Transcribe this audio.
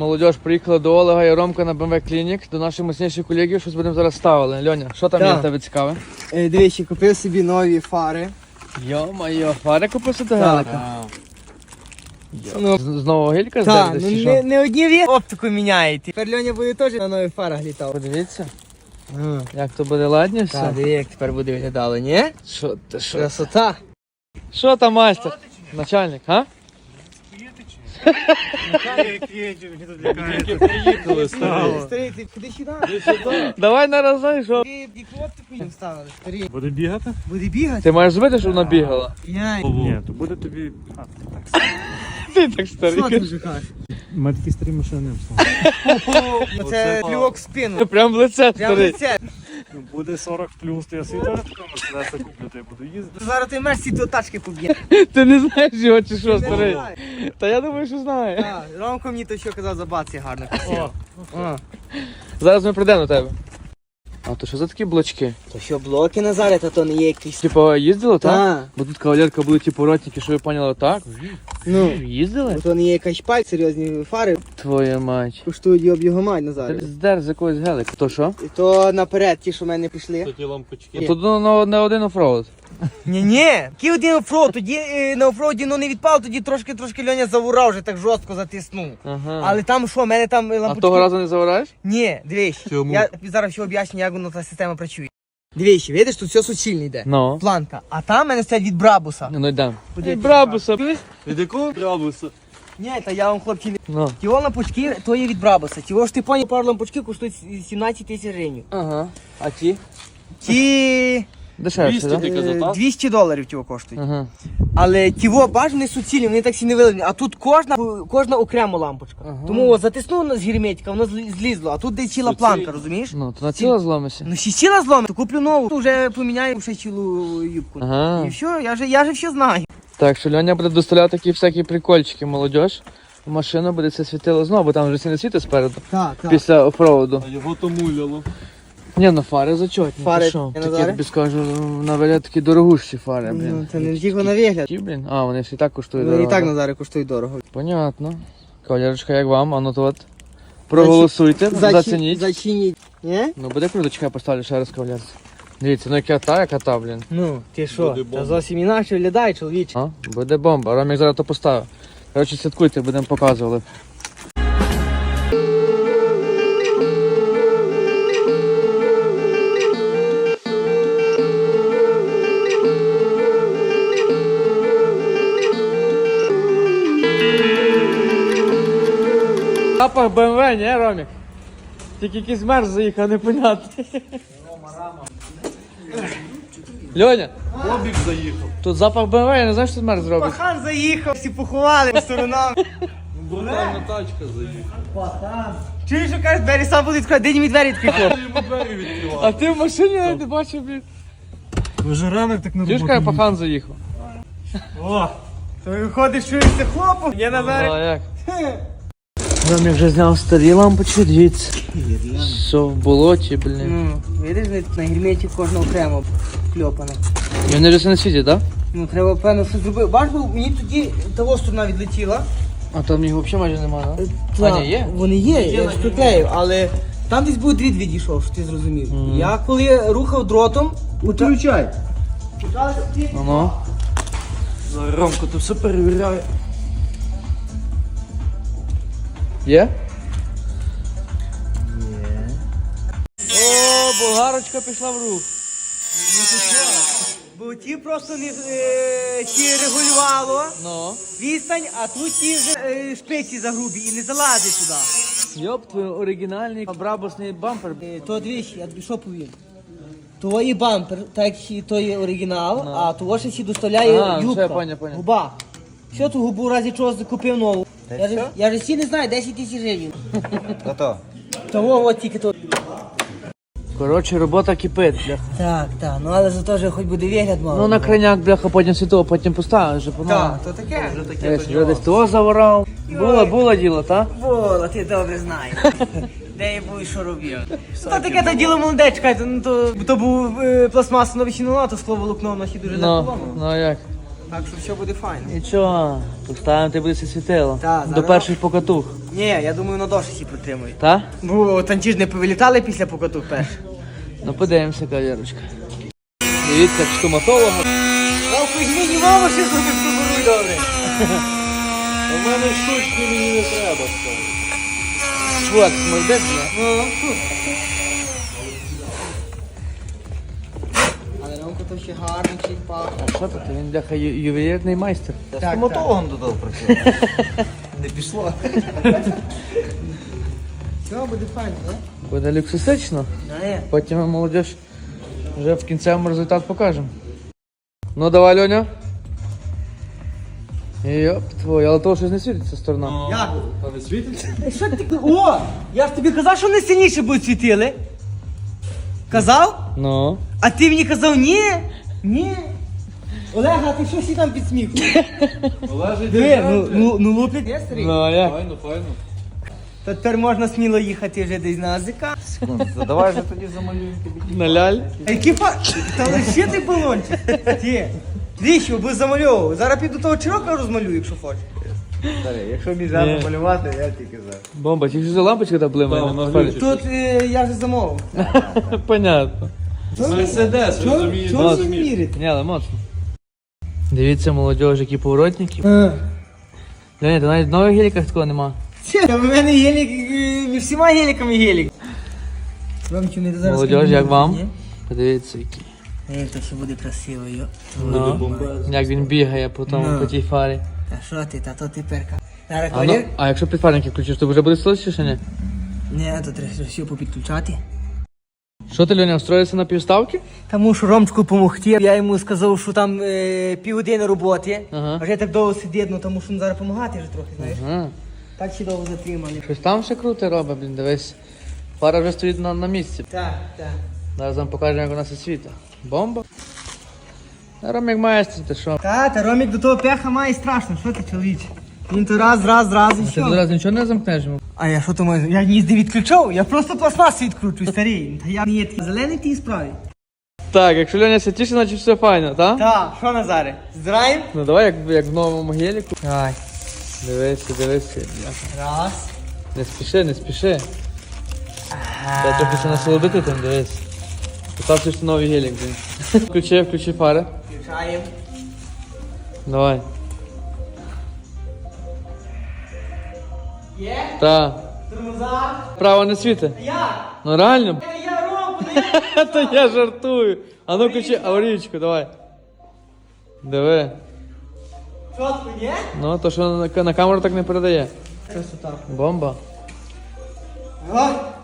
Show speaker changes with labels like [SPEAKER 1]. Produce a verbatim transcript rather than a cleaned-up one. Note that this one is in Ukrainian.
[SPEAKER 1] Молодіж, приїхала до Олега і Ромка на БМВ Клінік, до наших мощніших колегів, щось будемо зараз ставили. Льоня, що там
[SPEAKER 2] Так.
[SPEAKER 1] є в тебе цікаве?
[SPEAKER 2] Е, Дивіться, купив собі нові фари.
[SPEAKER 1] Йо-майо, фари купив собі гелика?
[SPEAKER 2] Ну,
[SPEAKER 1] З, з нового гелька
[SPEAKER 2] Так,
[SPEAKER 1] здердеш
[SPEAKER 2] ну
[SPEAKER 1] чи
[SPEAKER 2] не,
[SPEAKER 1] що?
[SPEAKER 2] не одні ві оптику міняєте. Тепер Льоня буде теж на нових фарах літав.
[SPEAKER 1] Подивіться,
[SPEAKER 2] Ну,
[SPEAKER 1] як то буде ладні все.
[SPEAKER 2] так, диви, як тепер буде виглядало, ні?
[SPEAKER 1] Що ти, що?
[SPEAKER 2] Красота.
[SPEAKER 1] Що там, майстер? Начальник, а?
[SPEAKER 3] Приїхали, стало.
[SPEAKER 2] Старий, ти куди сюди?
[SPEAKER 1] Давай на разай, що?
[SPEAKER 2] Ти яку оптику їм ставили, старий?
[SPEAKER 3] Буде бігати?
[SPEAKER 2] Буде бігати?
[SPEAKER 1] Ти маєш зробити, щоб вона бігала?
[SPEAKER 2] Яй.
[SPEAKER 3] Ні, то буде тобі. А,
[SPEAKER 1] Ти так
[SPEAKER 2] Що
[SPEAKER 1] старий.
[SPEAKER 2] ти вже кажеш?
[SPEAKER 3] ми такі старі машини не вставили.
[SPEAKER 2] Ну, Це плювок в спину.
[SPEAKER 1] Прям в лице,
[SPEAKER 2] Прямо
[SPEAKER 1] старий.
[SPEAKER 2] лице.
[SPEAKER 3] Ну, буде сорок плюс, то я свій теж такого Мерседеса куплю, то я буду їздити.
[SPEAKER 2] Зараз ти мерз ці до тачки поб'є.
[SPEAKER 1] Ти не знаєш його чи що,
[SPEAKER 2] Не
[SPEAKER 1] старий?
[SPEAKER 2] знаю.
[SPEAKER 1] Та я думаю, що знає.
[SPEAKER 2] Так, Ромко мені то що казав, за баці гарно красиво. О.
[SPEAKER 1] Зараз ми прийдемо до тебе. А то що за такі блочки?
[SPEAKER 2] То що, блоки Назаре, та то не є якийсь.
[SPEAKER 1] Типа їздили, так?
[SPEAKER 2] Так.
[SPEAKER 1] Бо тут кавалерка були типу ротники, що ви поняли, так?
[SPEAKER 2] Ну,
[SPEAKER 1] Їздили?
[SPEAKER 2] бо то не є якась шпаль, серйозні фари.
[SPEAKER 1] Твоя мать.
[SPEAKER 2] Коштують йоб його мать
[SPEAKER 1] Ти
[SPEAKER 2] Назаре.
[SPEAKER 1] здер з якогось гелика. То що?
[SPEAKER 2] І то наперед, ті, що в мене пішли.
[SPEAKER 3] Ті лампочки.
[SPEAKER 2] Є.
[SPEAKER 1] Тут ну, на, на один офроуд.
[SPEAKER 2] Ні-ні, який один офроуд, тоді е, на офроуді ну не відпав, тоді трошки-трошки Льоня завурав, вже так жорстко затиснув.
[SPEAKER 1] Ага.
[SPEAKER 2] Але там що, в мене там е,
[SPEAKER 1] А
[SPEAKER 2] лампочки...
[SPEAKER 1] того разу не завираєш?
[SPEAKER 2] Ні, дивись,
[SPEAKER 3] Чому?
[SPEAKER 2] я тобі зараз все об'ясню, як воно та система працює. Дивись, видиш, тут все суцільне йде.
[SPEAKER 1] Ну.
[SPEAKER 2] Планка, а там в мене стоять від Брабуса.
[SPEAKER 1] Ну йдемо.
[SPEAKER 2] Куди ти
[SPEAKER 1] Брабуса.
[SPEAKER 3] Від якого Брабуса?
[SPEAKER 2] Ні, та я вам, хлопці, не...
[SPEAKER 1] Ну.
[SPEAKER 2] Ті лампочки, то є від Брабуса. Ті ж ти поняв, пару лампочки коштують сімнадцять тисяч гривень.
[SPEAKER 1] Ага. А ті?
[SPEAKER 2] Ті
[SPEAKER 1] Дешевше,
[SPEAKER 3] двісті
[SPEAKER 1] так?
[SPEAKER 3] ти казав,
[SPEAKER 2] е,
[SPEAKER 3] так?
[SPEAKER 2] двісті доларів ті коштують.
[SPEAKER 1] Ага.
[SPEAKER 2] Але тіво баж не суцільні, вони так всі не вилені. А тут кожна, кожна окрема лампочка.
[SPEAKER 1] Ага.
[SPEAKER 2] Тому о, затиснуло з герметика, воно злі- злізло, а тут де ціла планка, розумієш?
[SPEAKER 1] Ну, то на ціло зломися.
[SPEAKER 2] Ну ще ціла зломи, то куплю нову, вже поміняю ще цілу юбку.
[SPEAKER 1] Ага.
[SPEAKER 2] І все, я же, я же все знаю.
[SPEAKER 1] Так, що Льоня буде доставляти такі всякі прикольчики, молодіж. В машину буде це світило знову, бо там вже всі не світи спереду.
[SPEAKER 2] Так, так.
[SPEAKER 1] Після офроуду.
[SPEAKER 3] А його то муляло.
[SPEAKER 1] Ні, ну фари зачетні.
[SPEAKER 2] Фари,
[SPEAKER 1] Ти що?
[SPEAKER 2] я
[SPEAKER 1] Такі,
[SPEAKER 2] Назаре?
[SPEAKER 1] я тобі скажу, на вигляд такі дорогущі фари, блін.
[SPEAKER 2] Ну, це не тільки на вигляд.
[SPEAKER 1] Які, блін? А, вони всі так коштують
[SPEAKER 2] Вони і
[SPEAKER 1] дорого.
[SPEAKER 2] так Назаре коштують дорого.
[SPEAKER 1] Понятно. Кавалерочка, як вам? А ну то от. Проголосуйте, зацініть.
[SPEAKER 2] Зачиніть. Ні?
[SPEAKER 1] Ну буде круто, чекай, поставлю ще раз кавалерці. Дивіться, ну яка та, яка та, блін.
[SPEAKER 2] Ну, ти що,
[SPEAKER 3] Буде бомба.
[SPEAKER 2] та зовсім інакше виглядає, чоловіче.
[SPEAKER 1] А? Буде бомба. Ромік зараз то поставив. Коротше, слідкуйте, будемо показувати. Запах БМВ, не, Ромік? Тільки якийсь мерз заїхав, непонятно. Льоня,
[SPEAKER 3] Бобік заїхав.
[SPEAKER 1] тут запах БМВ, я не знаю, що тут мерз зробить.
[SPEAKER 2] Пахан заїхав, всі поховали по сторонам.
[SPEAKER 3] Брутальна тачка заїхала.
[SPEAKER 2] Чуєш, що кажеш, двері сам буде відкривати, де мені двері відкрив.
[SPEAKER 3] Йому двері відкривав.
[SPEAKER 1] А ти в машині навіть не бачив, блін.
[SPEAKER 3] Вже ранок так на
[SPEAKER 1] Чуєш, каже, пахан заїхав.
[SPEAKER 2] О, то виходить, що це хлопу. Я
[SPEAKER 1] А
[SPEAKER 2] Назаре.
[SPEAKER 1] як? Ромік вже зняв старі лампочки, дивіться. Все в болоті, блін.
[SPEAKER 2] Ну, видиш, вони тут на герметі кожна окремо кльопана.
[SPEAKER 1] І вони вже не світять, так?
[SPEAKER 2] Ну, треба, певно, щось зробити. Бач, бо мені тоді того сторона відлетіла.
[SPEAKER 1] А там їх взагалі майже немає, так?
[SPEAKER 2] Та,
[SPEAKER 1] А, ні, є?
[SPEAKER 2] Вони є, я ж приклеїв, але там десь був дріт відійшов, що ти зрозумів.
[SPEAKER 1] Мгм.
[SPEAKER 2] Я коли рухав дротом,
[SPEAKER 3] Включай.
[SPEAKER 1] Ну ну.
[SPEAKER 3] Зараз Ромко, ти все перевіряє.
[SPEAKER 1] Є? О, болгарочка пішла в рух.
[SPEAKER 2] бо ті просто не е, ті регулювало
[SPEAKER 1] Ну.
[SPEAKER 2] відстань, а тут ті вже е, шпиці загрубі і не залазить туди.
[SPEAKER 1] Йоп, твій оригінальний брабусний бампер.
[SPEAKER 2] Е, То двічі, я тобі що повім. То є бампер, так і то є оригінал,
[SPEAKER 1] Ну.
[SPEAKER 2] а того ще ще доставляє
[SPEAKER 1] Ага, все,
[SPEAKER 2] юбка,
[SPEAKER 1] я поняв, поняв.
[SPEAKER 2] губа. Що ту губу в разі чого купив нову? Я ж, я ж всі не знаю, десять тисяч гривень.
[SPEAKER 4] Та-то.
[SPEAKER 2] Того от тільки то.
[SPEAKER 1] Коротше, робота кипить, бляха.
[SPEAKER 2] Так, так, ну але зато ж хоч буде вигляд мало.
[SPEAKER 1] Ну на краняк, бляха, потім світово, потім поставиш, вже по-новому.
[SPEAKER 2] Так, то таке. Вже таке.
[SPEAKER 1] Десь, вже десь того заворав. Було, було діло, так?
[SPEAKER 2] Вола, ти добре знаєш. Де я був і що робив. То таке то діло молоде, чекайте, ну то, то був е, пластмаса новий чинула, то скло волокно в носі дуже
[SPEAKER 1] Ну,
[SPEAKER 2] легко.
[SPEAKER 1] ну а як?
[SPEAKER 2] Так що все буде файно.
[SPEAKER 1] Нічого, поставимо, ти буде все світило.
[SPEAKER 2] Та,
[SPEAKER 1] До
[SPEAKER 2] зараз.
[SPEAKER 1] перших покатух.
[SPEAKER 2] Ні, я думаю, на доші всі протримують.
[SPEAKER 1] Та?
[SPEAKER 2] Бо танці ж не повилітали після покату перш.
[SPEAKER 1] Ну подивимося, кавалерочка. Дивіться, як стоматолога.
[SPEAKER 2] О, візьміть мама, ще зробив фігуруй добре.
[SPEAKER 3] У мене штучки мені не треба, скажу.
[SPEAKER 1] Вот, молодець, не?
[SPEAKER 2] Ну, але Ромко то ще гарно чик пахне.
[SPEAKER 1] А що тут? Він бляха ю- ювелірний майстер.
[SPEAKER 2] Так, так.
[SPEAKER 4] Стоматологом додав працювати. Не пішло.
[SPEAKER 2] Все, буде файно, не?
[SPEAKER 1] Буде люксусично.
[SPEAKER 2] Не.
[SPEAKER 1] Потім ми, молодіж, вже в кінцевому результат покажемо. Ну давай, Льоня. Йоп, твой, але того щось не світиться сторона.
[SPEAKER 2] Як?
[SPEAKER 3] А не світиться?
[SPEAKER 2] Е, Що ти? О! Я ж тобі казав, що вони сильніше будуть світили. Казав?
[SPEAKER 1] Ну.
[SPEAKER 2] А ти мені казав ні? Ні. Олег, а ти що сі там під сміху?
[SPEAKER 3] Олежить
[SPEAKER 2] Диви, ну, ну, ну лупить. Я старий.
[SPEAKER 1] Ну, а як?
[SPEAKER 3] Файно, файно.
[SPEAKER 2] То тепер можна сміло їхати вже десь на АЗК.
[SPEAKER 4] Секунду, давай вже тоді замалюємо тобі.
[SPEAKER 1] На ляль.
[SPEAKER 2] Екіпа, та лише ти балончик. Ти. Двічі, бо замальовував. Зараз піду того чирока розмалюю, якщо хочеш.
[SPEAKER 4] Старий, якщо між
[SPEAKER 1] Ні.
[SPEAKER 4] малювати, я тільки за.
[SPEAKER 1] Бомба, тільки що за лампочка та блимає.
[SPEAKER 3] Та,
[SPEAKER 1] на
[SPEAKER 3] вона
[SPEAKER 1] фарі.
[SPEAKER 3] глючить.
[SPEAKER 2] Тут е, я вже замовив.
[SPEAKER 1] Понятно.
[SPEAKER 3] Мерседес,
[SPEAKER 2] Чого
[SPEAKER 3] розумієш?
[SPEAKER 2] чого всі
[SPEAKER 3] розумієш.
[SPEAKER 2] вірите?
[SPEAKER 1] Ні, але моцно. Дивіться, молодіж, які поворотники.
[SPEAKER 2] Е.
[SPEAKER 1] Леонід, ти навіть в нових геліках такого нема.
[SPEAKER 2] Це, в мене гелік, е, між всіма геліками гелік. Ромчу, не зараз.
[SPEAKER 1] Молодіж, як вам? Подивіться, який.
[SPEAKER 2] Ей, то ще буде красиво, йо.
[SPEAKER 1] Ну, як він бігає по тому,
[SPEAKER 2] Ну.
[SPEAKER 1] по тій фарі.
[SPEAKER 2] Та що ти, та то ти перка. Зараз
[SPEAKER 1] А, ну,
[SPEAKER 2] колір?
[SPEAKER 1] а якщо підфарники включиш, то вже буде слизьше чи ні?
[SPEAKER 2] Ні, то треба все попідключати.
[SPEAKER 1] Що ти, Льоня, встроївся на півставки?
[SPEAKER 2] Тому що Ромчику помогти. Я йому сказав, що там е, півгодини роботи.
[SPEAKER 1] Ага.
[SPEAKER 2] А вже так довго сидить, ну тому що ну, зараз допомагати вже трохи, знаєш.
[SPEAKER 1] Ага.
[SPEAKER 2] Так ще довго затримали.
[SPEAKER 1] Щось там ще круте робить, блін, дивись. Фара вже стоїть на, на місці.
[SPEAKER 2] Так, так.
[SPEAKER 1] Зараз вам покажемо, як вона все світить. Бомба. Ром як майстер, ти що?
[SPEAKER 2] Та, та Ромік до того пеха має страшно, що ти, чоловіче? Він то раз, раз, раз і
[SPEAKER 1] Ти
[SPEAKER 2] все.
[SPEAKER 1] зараз нічого не замкнеш йому?
[SPEAKER 2] А я що то маю? Я їзди відключав, я просто пластмас відкручую, старий. Та я не є такий зелений в тій справі.
[SPEAKER 1] Так, якщо Льоня все тіше, значить все файно, так?
[SPEAKER 2] Так, що Назаре? Здраєм?
[SPEAKER 1] Ну давай, як, як в новому геліку.
[SPEAKER 2] Давай.
[SPEAKER 1] Дивися, дивися. бляха.
[SPEAKER 2] Раз.
[SPEAKER 1] Не спіши, не спіши. Треба трохи ще насолодити там, дивись. Постався, що новий гелік, блін. Включи, включи фари.
[SPEAKER 2] Включаємо.
[SPEAKER 1] Давай.
[SPEAKER 2] Є?
[SPEAKER 1] Та.
[SPEAKER 2] Тормоза.
[SPEAKER 1] Право не світи.
[SPEAKER 2] Як?
[SPEAKER 1] Ну реально.
[SPEAKER 2] Я, я Ромку, я...
[SPEAKER 1] Та я жартую. А ну включи аварійку, давай. Диви.
[SPEAKER 2] Чотко, є?
[SPEAKER 1] Ну, то що на, на камеру так не передає.
[SPEAKER 2] Красота.
[SPEAKER 1] Бомба.
[SPEAKER 2] О,